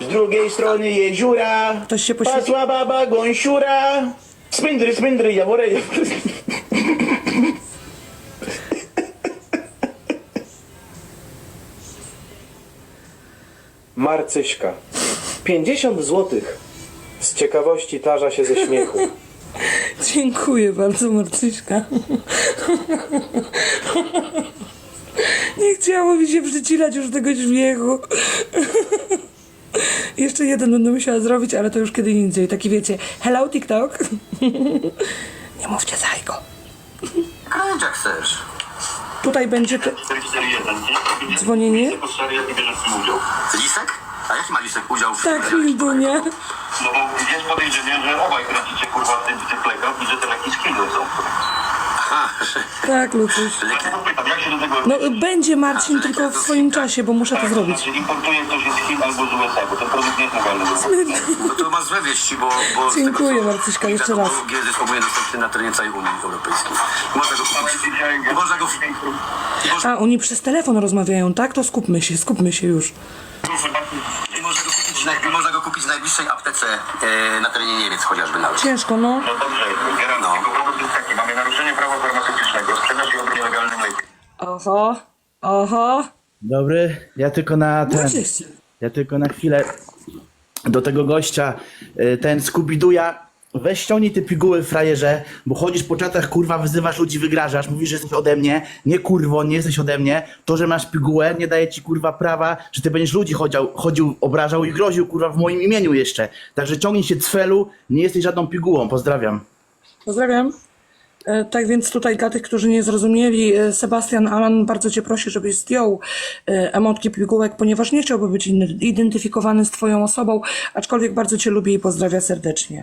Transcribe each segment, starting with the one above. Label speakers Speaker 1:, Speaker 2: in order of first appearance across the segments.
Speaker 1: drugiej strony jeziora
Speaker 2: Ktoś się poświęcił.
Speaker 1: pasła baba gąsiura. Spindry, spindry, jawory, jawory.
Speaker 3: Marcyśka. 50 złotych. Z ciekawości tarza się ze śmiechu.
Speaker 2: Dziękuję bardzo, Marcyśka. Nie chciało mi się przycilać już tego śmiechu. Jeszcze jeden będę musiała zrobić, ale to już kiedy indziej. Taki wiecie, hello TikTok. Nie mówcie zajko.
Speaker 4: Kręć jak chcesz.
Speaker 2: Tutaj będzie
Speaker 5: 441,
Speaker 2: dzwonienie.
Speaker 4: Lisek? A jaki ma Lisek udział w
Speaker 2: Tak,
Speaker 4: tym?
Speaker 2: Hildunia.
Speaker 5: No bo jest podejrzenie, że obaj kręcicie kurwa w tych lekach i że te leki z Kindle są.
Speaker 4: Aha,
Speaker 2: Tak, Lucuś.
Speaker 5: Ja pytam, jak się do tego...
Speaker 2: No będzie Marcin tylko w swoim czasie, bo muszę to zrobić.
Speaker 5: Znaczy importuje ktoś z Chin albo z USA, bo ten produkt nie jest legalny.
Speaker 4: no to masz złe wieści, bo
Speaker 2: Dziękuję, Marcyśka, jeszcze raz.
Speaker 4: GZ jest dostępny na terenie całej Unii Europejskiej. Można go kupić.
Speaker 2: A, oni przez telefon rozmawiają, tak? To skupmy się już.
Speaker 4: Można go kupić w najbliższej aptece na terenie Niemiec chociażby nawet.
Speaker 2: Ciężko, no.
Speaker 5: No dobrze, Gerard, tylko problem jest taki, mamy naruszenie prawa farmaceutycznego, sprzedaż i obrót nielegalnym lekiem.
Speaker 2: Oho.
Speaker 1: Dobry, ja tylko na chwilę do tego gościa, ten Skubiduja, weź ściągnij te piguły, frajerze, bo chodzisz po czatach, kurwa, wyzywasz ludzi, wygrażasz, mówisz, że jesteś ode mnie, nie kurwo, nie jesteś ode mnie, to, że masz pigułę, nie daje ci, kurwa, prawa, że ty będziesz ludzi chodził, obrażał i groził, kurwa, w moim imieniu jeszcze, także ciągnij się, cfelu, nie jesteś żadną pigułą, pozdrawiam.
Speaker 2: Pozdrawiam. Tak więc tutaj dla tych, którzy nie zrozumieli, Sebastian Alan bardzo cię prosi, żebyś zdjął emotki pigułek, ponieważ nie chciałby być identyfikowany z twoją osobą, aczkolwiek bardzo cię lubi i pozdrawia serdecznie.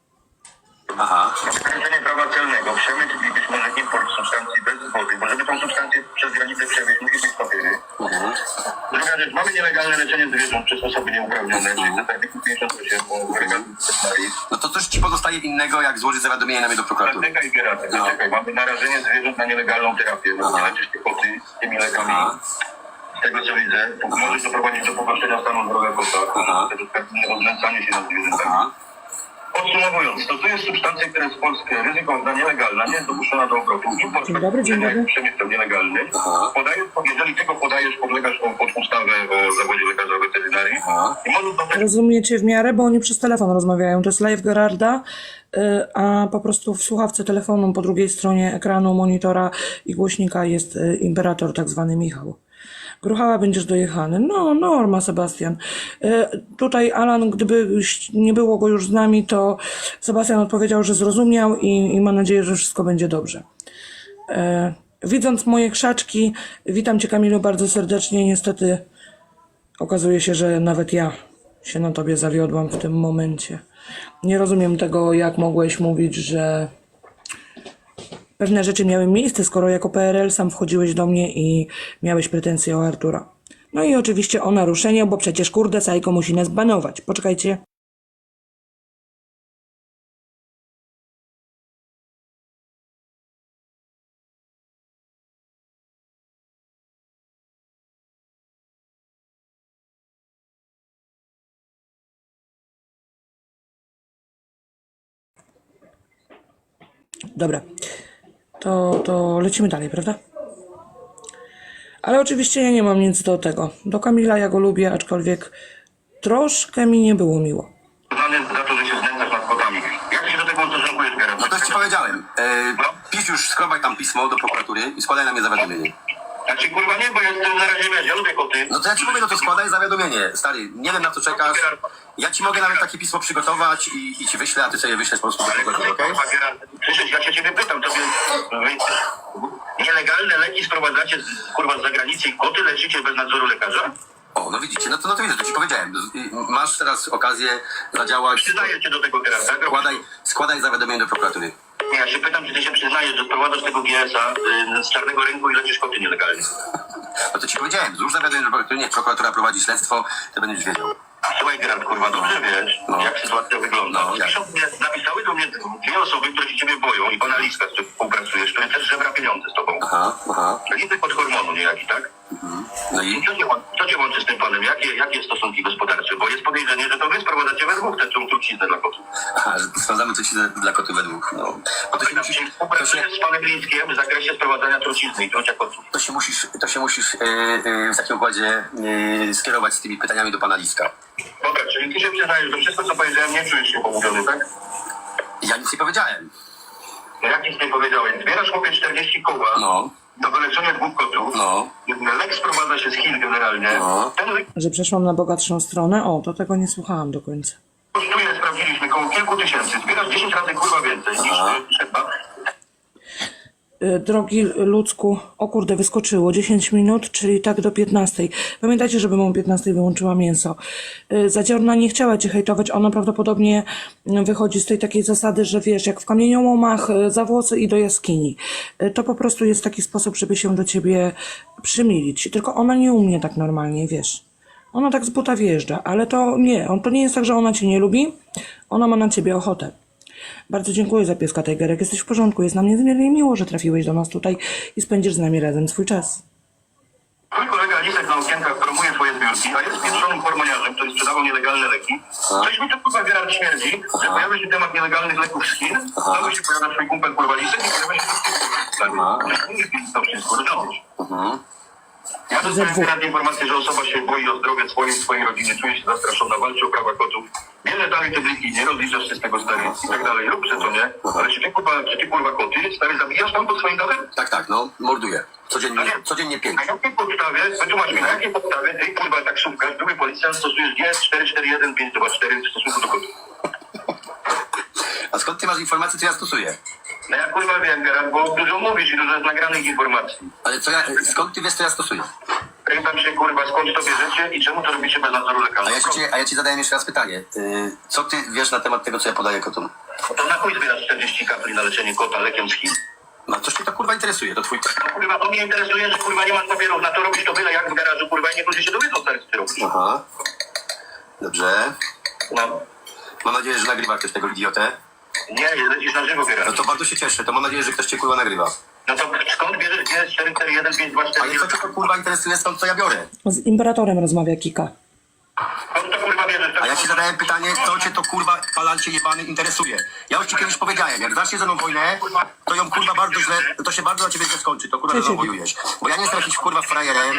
Speaker 4: Aha.
Speaker 5: Naruszenie prawa celnego, przemyt i być może import substancji bez zgody, bo żeby tą substancję przez granicę przewieźć, musi być papiery. Druga rzecz, mamy nielegalne leczenie zwierząt przez osoby nieuprawnione, czyli to artykuł 58 o regulacji.
Speaker 4: No to coś ci pozostaje innego, jak złożyć zawiadomienie na mnie do prokuratury.
Speaker 5: Czekaj, Gerard, czekaj, mamy narażenie zwierząt na nielegalną terapię, no nie leczysz tych koty tymi lekami. Z tego co widzę, to może doprowadzić do pogorszenia stanu zdrowia kota, o znęcanie się nad zwierzętami. Podsumowując, to jest substancja, która jest w Polsce ryzykowna, nielegalna, nie jest dopuszczona do obrotu. Import
Speaker 2: Dzień dobry.
Speaker 5: przemysł nielegalny. Jeżeli tylko podajesz, podlegasz pod ustawę o zawodzie lekarza weterynarii. I możesz do tego...
Speaker 2: Rozumiecie w miarę, bo oni przez telefon rozmawiają. To jest live Gerarda, a po prostu w słuchawce telefonu po drugiej stronie ekranu, monitora i głośnika jest imperator, tak zwany Michał. Gruchała, będziesz dojechany. No, norma, Sebastian. Tutaj Alan, gdyby nie było go już z nami, to Sebastian odpowiedział, że zrozumiał i ma nadzieję, że wszystko będzie dobrze. Widząc moje krzaczki, witam cię, Kamilu, bardzo serdecznie. Niestety okazuje się, że nawet ja się na tobie zawiodłam w tym momencie. Nie rozumiem tego, jak mogłeś mówić, że pewne rzeczy miały miejsce, skoro jako PRL sam wchodziłeś do mnie i miałeś pretensje o Artura. No i oczywiście o naruszenie, bo przecież kurde Sajko musi nas banować. Poczekajcie. Dobra. To lecimy dalej, prawda? Ale oczywiście ja nie mam nic do tego. Do Kamila ja go lubię, aczkolwiek troszkę mi nie było miło.
Speaker 5: za to, że się znęcasz nad kotami. Jak się do tego ustosunkujesz, Gerard?
Speaker 4: No to już ci powiedziałem. Pisz już, skrobaj tam pismo do prokuratury i składaj na mnie zawiadomienie.
Speaker 5: Znaczy kurwa nie, bo ja jestem na razie, wiesz, ja lubię koty.
Speaker 4: No to ja ci mówię, no to składaj zawiadomienie. Stary, nie wiem na co czekasz. Ja ci mogę nawet takie pismo przygotować i ci wyślę, a ty sobie wyślesz po prostu do prokuratury, okej?
Speaker 5: Kurwa, Gerard, przecież ja się ciebie pytam, tobie nielegalne leki sprowadzacie kurwa z zagranicy i koty leczycie bez nadzoru lekarza?
Speaker 4: O, no widzicie, no to widzisz, to ci powiedziałem. Masz teraz okazję zadziałać.
Speaker 5: Przyznaję cię do tego, Gerard, tak?
Speaker 4: Składaj zawiadomienie do prokuratury.
Speaker 5: Ja się pytam, czy ty się przyznajesz, że sprowadzasz tego GS-a z czarnego rynku i leczysz koty nielegalnie.
Speaker 4: No to ci powiedziałem, złóż zawiadomienie do prokuratury, niech prokuratura prowadzi śledztwo, to będziesz wiedział.
Speaker 5: Słuchaj, Gerard, kurwa, dobrze wiesz, jak sytuacja wygląda.
Speaker 4: No, jak?
Speaker 5: Napisały do mnie dwie osoby, które się ciebie boją i pana Liska, z którym współpracujesz, który też żebra pieniądze z tobą.
Speaker 4: Aha.
Speaker 5: Liczby pod hormonu niejaki, tak?
Speaker 4: No i?
Speaker 5: Co cię łączy z tym panem? Jakie stosunki gospodarcze? Bo jest podejrzenie, że to wy sprowadzacie we dwóch tę truciznę dla kotów.
Speaker 4: Aha, że sprawdzamy truciznę dla kotów we dwóch. No. Bo to się musisz...
Speaker 5: Współpracujesz z panem Glińskiem w zakresie sprowadzania trucizny i trucia kotów.
Speaker 4: To się musisz w takim układzie skierować z tymi pytaniami do pana Liska.
Speaker 5: Dobra, czyli ty się przyznajesz, że wszystko co powiedziałem nie czujesz się pomówiony, tak?
Speaker 4: Ja nic nie powiedziałem.
Speaker 5: No jak nic nie powiedziałeś. Zbierasz chłopie 40 koła
Speaker 4: No.
Speaker 5: do wyleczenia 2 kotów.
Speaker 4: No.
Speaker 5: Lek sprowadza się z Chin generalnie.
Speaker 4: No.
Speaker 5: Ten lek
Speaker 2: Że przeszłam na bogatszą stronę? O, to tego nie słuchałam do końca.
Speaker 5: kosztuje, sprawdziliśmy, koło kilku tysięcy. Zbierasz 10 razy kurwa więcej niż trzeba.
Speaker 2: Drogi Ludzku, o kurde, wyskoczyło 10 minut, czyli tak do 15. Pamiętajcie, żebym o 15 wyłączyła mięso. Zadziorna nie chciała cię hejtować, ona prawdopodobnie wychodzi z tej takiej zasady, że wiesz, jak w kamieniołomach, za włosy i do jaskini. To po prostu jest taki sposób, żeby się do ciebie przymilić. Tylko ona nie umie tak normalnie, wiesz. Ona tak z buta wjeżdża, ale to nie jest tak, że ona cię nie lubi, ona ma na ciebie ochotę. Bardzo dziękuję za pieska, Tigerek. Jesteś w porządku. Jest nam niezmiernie miło, że trafiłeś do nas tutaj i spędzisz z nami razem swój czas.
Speaker 5: Twój kolega Lisek na okienkach promuje twoje zbiórki, a jest pieprzonym hormoniarzem, który sprzedawał nielegalne leki. Coś mi to kurwa Gerard śmierdzi, że pojawia się temat nielegalnych leków z Chin, znowu się pojawia twój kumpel kurwa Lisek i pojawia się to wszystko rozumiesz. Ja dostałem teraz informację, że osoba się boi o zdrowie swojej rodziny, czuje się zastraszona, walczy o prawa kotów. Bierze dalej te bliki, nie rozliczasz się z tego stary i tak dalej. Rób to, nie? Ale czy ty kurwa koty, stary, zabijasz tam pod swoim dachem?
Speaker 4: Tak, no. Morduję. Codziennie 5.
Speaker 5: Na jakiej podstawie, wytłumacz mi, na jakiej podstawie ty, kurwa, taksówkarz, drugi policjant stosujesz GS441524 w stosunku do kotów?
Speaker 4: A skąd ty masz informacje, co ja stosuję?
Speaker 5: No ja kurwa wiem, Gerard, bo dużo mówisz i dużo jest nagranych informacji.
Speaker 4: Ale skąd ty wiesz, co ja stosuję?
Speaker 5: Pytam się, kurwa, skąd to bierzecie i czemu to robicie bez nadzoru lekarza?
Speaker 4: A ja ci zadaję jeszcze raz pytanie. Co ty wiesz na temat tego, co ja podaję kotom?
Speaker 5: To na chuj zbierasz 40 kapli na leczenie kota lekiem z Chin?
Speaker 4: No coś mnie to kurwa interesuje, to twój...
Speaker 5: No kurwa, to mnie interesuje, że kurwa nie masz papierów na to, robisz to byle jak w garażu, kurwa, i niektórzy się dowiedzą, stary, co ty robisz.
Speaker 4: Aha. Dobrze.
Speaker 5: No.
Speaker 4: Mam nadzieję, że nagrywa ktoś tego idiotę.
Speaker 5: Nie, lecisz na żywo,
Speaker 4: No
Speaker 5: Gerard.
Speaker 4: to bardzo się cieszę, to mam nadzieję, że ktoś cię kurwa nagrywa.
Speaker 5: No to skąd bierzesz GS441524?
Speaker 4: Ale co cię to kurwa interesuje, stąd co ja biorę?
Speaker 2: Z imperatorem rozmawia Kika.
Speaker 5: Skąd to kurwa bierzesz?
Speaker 4: A ja ci zadałem pytanie, co cię to kurwa palancie jebany interesuje. Ja już ci kiedyś powiedziałem, jak zaczniesz ze mną wojnę, to ją kurwa bardzo źle, to się bardzo na ciebie źle skończy, to kurwa zawojujesz. Bo ja nie jestem jakiś kurwa frajerem,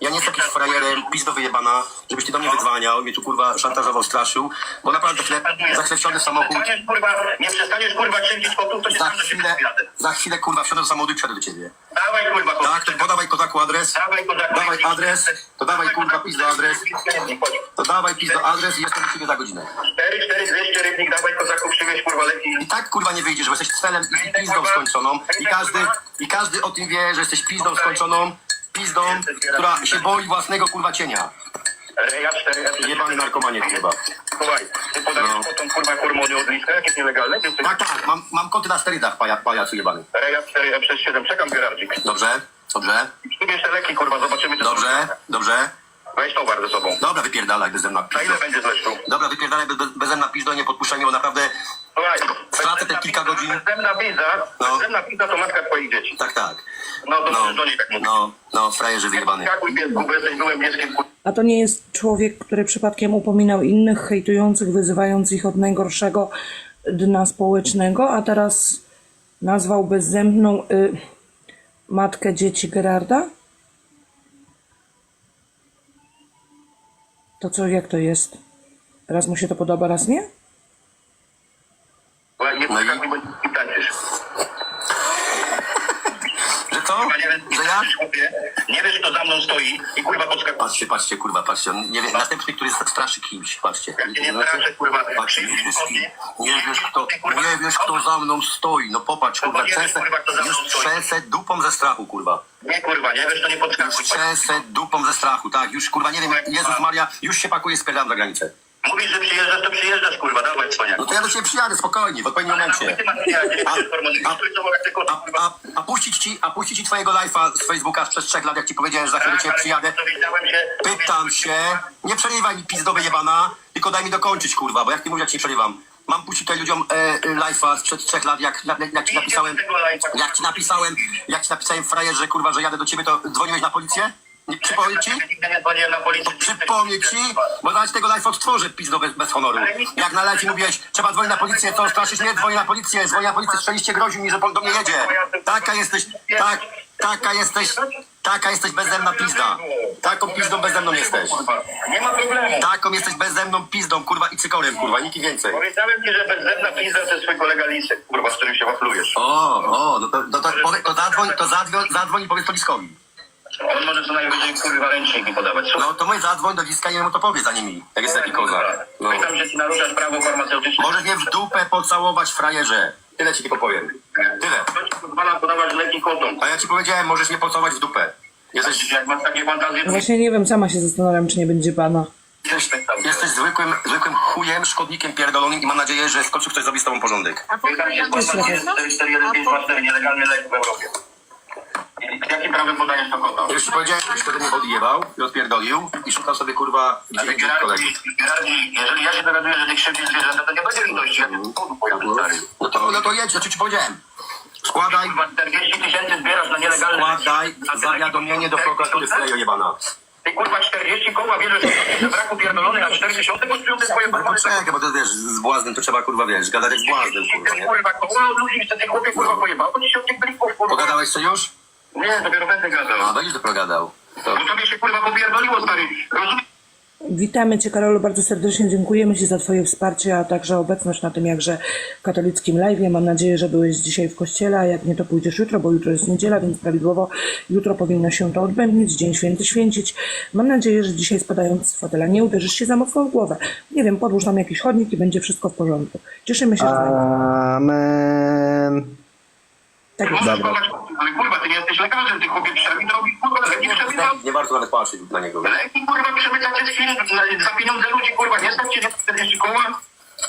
Speaker 4: pizdo wyjebana, żebyś ty do mnie wydzwaniał, mnie tu kurwa szantażował, straszył, bo naprawdę zachlewsiony samochód,
Speaker 5: Nie przestaniesz kurwa krzywdzić kotów, to się sam do siebie przyjadę.
Speaker 4: za chwilę kurwa wsiądę do samochodu i przyjadę do ciebie.
Speaker 5: Dawaj kurwa kotów.
Speaker 4: Tak, to podawaj kozaku adres, dawaj adres, to dawaj kurwa pizdo adres, to dawaj pizdo adres i jestem u ciebie za godzinę.
Speaker 5: 44200 rybnik, dawaj kozaków, przywieź kurwa leki.
Speaker 4: I tak kurwa nie wyjdziesz, bo jesteś celem i pizdą skończoną i każdy o tym wie, że jesteś pizdą skończoną, pizdą, która się boi własnego kurwa cienia.
Speaker 5: Reja 4,
Speaker 4: Jebany narkomanie chyba.
Speaker 5: Słuchaj, ty podajesz potem kurwa hormony od liska, jak jest nielegalne, więc
Speaker 4: Tak, mam koty na sterydach, pajacu jebany.
Speaker 5: Reja 4 przez 7, czekam Gerardzik.
Speaker 4: Dobrze.
Speaker 5: Przybierz te leki kurwa, zobaczymy co
Speaker 4: Dobrze.
Speaker 5: Weź towar ze sobą.
Speaker 4: Dobra, wypierdalaj bezemna
Speaker 5: Na ile
Speaker 4: pizdo.
Speaker 5: będzie zresztą?
Speaker 4: Dobra, wypierdalaj bezemna pizdo, nie podpuszczaj mnie, bo naprawdę...
Speaker 5: Słuchaj,
Speaker 4: Stracę te kilka godzin.
Speaker 5: Bezemna pizza to matka twoich dzieci.
Speaker 4: Tak.
Speaker 5: No to możesz do niej tak mówić.
Speaker 4: Frajerze wyjebany.
Speaker 5: Skakuj piesku, bo jesteś byłym pieskiem kurwa.
Speaker 2: A to nie jest człowiek, który przypadkiem upominał innych, hejtujących, wyzywając ich od najgorszego dna społecznego, a teraz nazwał bezzębną matkę dzieci Gerarda? To co, jak to jest? Raz mu się to podoba, raz nie?
Speaker 5: Nie podskakuj, bo nie tańczysz.
Speaker 4: Że co? Że ja?
Speaker 5: Nie wiesz, kto za mną stoi i kurwa podskakuje.
Speaker 4: Patrzcie, kurwa, patrzcie. Nie wiem, następny, który straszy kimś, patrzcie.
Speaker 5: Jak cię nie straszę, kurwa.
Speaker 4: Patrzcie, nie wiesz, kto za mną stoi. No popatrz, kurwa, już trzęsę dupą ze strachu, kurwa.
Speaker 5: Nie, kurwa, nie wiesz, to nie
Speaker 4: Już
Speaker 5: podskakuj.
Speaker 4: trzęsę dupą ze strachu, tak. Już, kurwa, nie wiem, Jezus Maria, już się pakuje, spierdam za granicę.
Speaker 5: Mówisz, że przyjeżdżasz, to przyjeżdżasz, kurwa, dawaj, cwaniak.
Speaker 4: No to ja do ciebie przyjadę, spokojnie, w odpowiednim momencie. A puścić ci twojego live'a z Facebooka sprzed 3 lat, jak ci powiedziałem, że za chwilę do ciebie przyjadę. Pytam się, nie przerywaj mi pizdowy jebana, tylko daj mi dokończyć, kurwa, bo jak ty mówisz, jak ci przerywam. Mam puścić tutaj ludziom live'a sprzed 3 lat, jak ci napisałem frajerze, kurwa, że jadę do ciebie, to dzwoniłeś na policję? Przypomnę ci?
Speaker 5: Nigdy nie dzwoniłem na policję.
Speaker 4: Przypomnę ci, bo zaraz tego live odtworzę, pizdo bez honoru. Jak na live mówiłeś, trzeba dzwonić na policję, to straszysz mnie, dzwoni na policję, strzeliście, groził mi, że do mnie jedzie. Taka jesteś, taka jesteś bezzemna pizda. Taką pizdą bezzemną jesteś.
Speaker 5: Nie ma problemu.
Speaker 4: Taką jesteś bezzemną pizdą, kurwa, i cykorem, kurwa, nikt więcej.
Speaker 5: Powiedziałem ci, że bezzemna pizza to jest twój kolega Lisek, kurwa, z którym się waflujesz.
Speaker 4: Zadzwoń i powiedz to Liskowi.
Speaker 5: On może co najwyżej kurwa ręczniki podawać.
Speaker 4: No to mój zadzwoń do Liska i mu to powie za nimi, jak jest taki kozak. No.
Speaker 5: Pytam, że ci naruszasz prawo farmaceutyczne.
Speaker 4: Możesz mnie w dupę pocałować, frajerze. Tyle ci tylko powiem. Tyle.
Speaker 5: To ci pozwala podawać leki kotom.
Speaker 4: A ja ci powiedziałem, możesz mnie pocałować w dupę. Jesteś,
Speaker 5: Jak masz takie fantazje, to
Speaker 2: Właśnie nie wiem, sama się zastanawiam, czy nie będzie pana.
Speaker 4: jesteś zwykłym chujem, szkodnikiem pierdolonym i mam nadzieję, że w końcu ktoś zrobi z tobą porządek.
Speaker 5: pytam się, skąd pan jest 44154 nielegalny lek w Europie. I jakim prawem podajesz to kota?
Speaker 4: Ja już ci powiedziałem, żebyś wtedy mnie odjebał i odpierdolił i szukał sobie, kurwa,
Speaker 5: Ale
Speaker 4: gdzie kolegi.
Speaker 5: Gerardzi, jeżeli ja się dowiaduję, że ty krzywdzisz zwierzęta, to nie będzie litości, jak nie powodu pojazdu, stary.
Speaker 4: No to jedź, ja ci powiedziałem. Składaj,
Speaker 5: Chyba 40 000 zbierasz na nielegalny
Speaker 4: składaj zawiadomienie do prokuratury Frejo jebana.
Speaker 5: Ty kurwa 40 koła bierzesz na braku pierdolony, a 40 kosztują te swoje
Speaker 4: Ale poczekaj, bo to wiesz, z błaznem to trzeba, kurwa, wiesz, gadać jak z błaznem, kurwa, nie?
Speaker 5: Kurwa, koła od ludzi, że ty chłopie kurwa pojebało, bo ci się od tych blików kurwa.
Speaker 4: Pogadałeś co już?
Speaker 5: Nie, dopiero będę gadał.
Speaker 4: A, będziesz dopiero gadał. To...
Speaker 5: Bo tobie się kurwa popierdoliło, stary. Rozumiesz?
Speaker 2: Witamy Cię, Karolu, bardzo serdecznie dziękujemy Ci za Twoje wsparcie, a także obecność na tym jakże katolickim live'ie. Mam nadzieję, że byłeś dzisiaj w kościele, a jak nie, to pójdziesz jutro, bo jutro jest niedziela, więc prawidłowo jutro powinno się to odbędnić, Dzień Święty święcić. Mam nadzieję, że dzisiaj spadając z fotela nie uderzysz się za mocno w głowę. Nie wiem, podłóż tam jakiś chodnik i będzie wszystko w porządku. Cieszymy się, że...
Speaker 1: Amen.
Speaker 2: Tak jest.
Speaker 5: Możesz kochać, ale kurwa, ty nie jesteś lekarzem, ty chłopie przemyt robisz, kurwa, leki przemyt.
Speaker 4: Nie warto nawet patrzeć na niego.
Speaker 5: Leki kurwa przemyta przez chwilę, za pieniądze ludzi kurwa, nie stać cię nie 40 koła.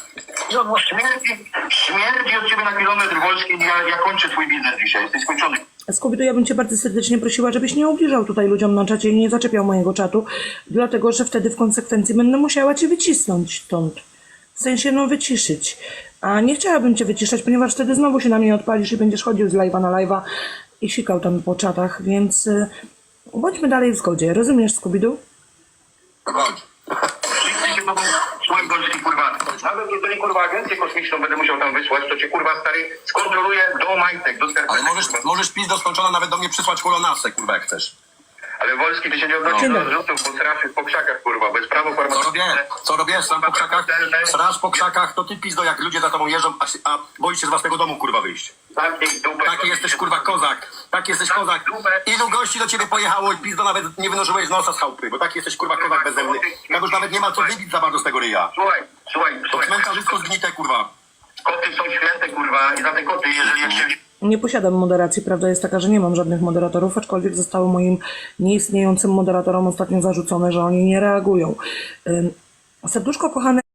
Speaker 5: Śmierdzi od ciebie na kilometr wolski, ja kończę twój biznes dzisiaj, jesteś skończony.
Speaker 2: Skubidu, ja bym Cię bardzo serdecznie prosiła, żebyś nie ubliżał tutaj ludziom na czacie i nie zaczepiał mojego czatu, dlatego że wtedy w konsekwencji będę musiała Cię wycisnąć stąd. W sensie, no, wyciszyć. A nie chciałabym Cię wyciszać, ponieważ wtedy znowu się na mnie odpalisz i będziesz chodził z live'a na live'a i sikał tam po czatach, więc bądźmy dalej w zgodzie. Rozumiesz, Skubidu?
Speaker 4: Chodź.
Speaker 5: Wszyscy się mogą słuchaj Golski kurwa. Nawet jeżeli kurwa agencję kosmiczną będę musiał tam wysłać, to cię kurwa stary skontroluję do majtek, do skarpetek.
Speaker 4: Ale możesz pizdo skończona nawet do mnie przysłać kolonasę, kurwa, jak chcesz.
Speaker 5: Ale Wolski, ty się nie odnosisz do zrzutów, bo srasz po krzakach kurwa, bez prawo farmaceutyczne.
Speaker 4: Co robię? Sram po krzakach? Srasz po krzakach, to ty pizdo, jak ludzie za tobą jeżdżą, a boisz się z własnego domu, kurwa, wyjść. Taki jesteś, kurwa, kozak. Taki jesteś kozak. Ilu gości do ciebie pojechało i pizdo nawet nie wynurzyłeś nosa z chałupy, bo taki jesteś, kurwa, kozak bezzemny. Jak już nawet nie ma co wybić za bardzo z tego ryja.
Speaker 5: Słuchaj.
Speaker 4: To cmentarzysko zgnite, kurwa.
Speaker 5: Koty są święte kurwa i za te koty, jeżeli jak się...
Speaker 2: Nie posiadam moderacji. Prawda jest taka, że nie mam żadnych moderatorów, aczkolwiek zostało moim nieistniejącym moderatorom ostatnio zarzucone, że oni nie reagują. Serduszko kochane...